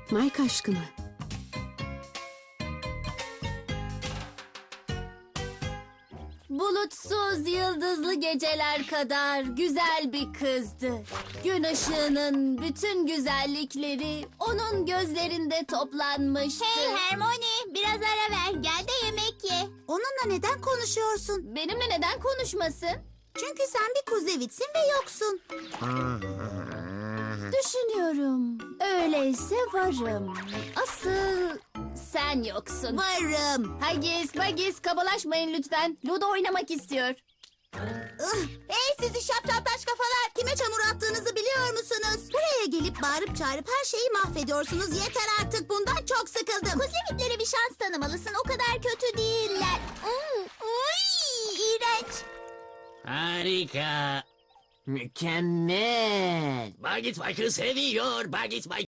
Mike aşkına. Bulutsuz yıldızlı geceler kadar güzel bir kızdı. Gün ışığının bütün güzellikleri onun gözlerinde toplanmıştı. Hey Hermione, biraz ara ver. Gel de yemek ye. Onunla neden konuşuyorsun? Benimle neden konuşmasın? Çünkü sen bir kuzlevitsin ve yoksun. Düşünüyorum. Öyleyse varım. Asıl sen yoksun. Varım. Haggis, kabalaşmayın lütfen. Ludo oynamak istiyor. Hey sizi şapşaltaş kafalar. Kime çamur attığınızı biliyor musunuz? Buraya gelip bağırıp çağırıp her şeyi mahvediyorsunuz. Yeter artık, bundan çok sıkıldım. Kuzevitlere bir şans tanımalısın. O kadar kötü değiller. İğrenç. Harika. Mükemmel. Bagit Mike'ı seviyor. Bagit Mike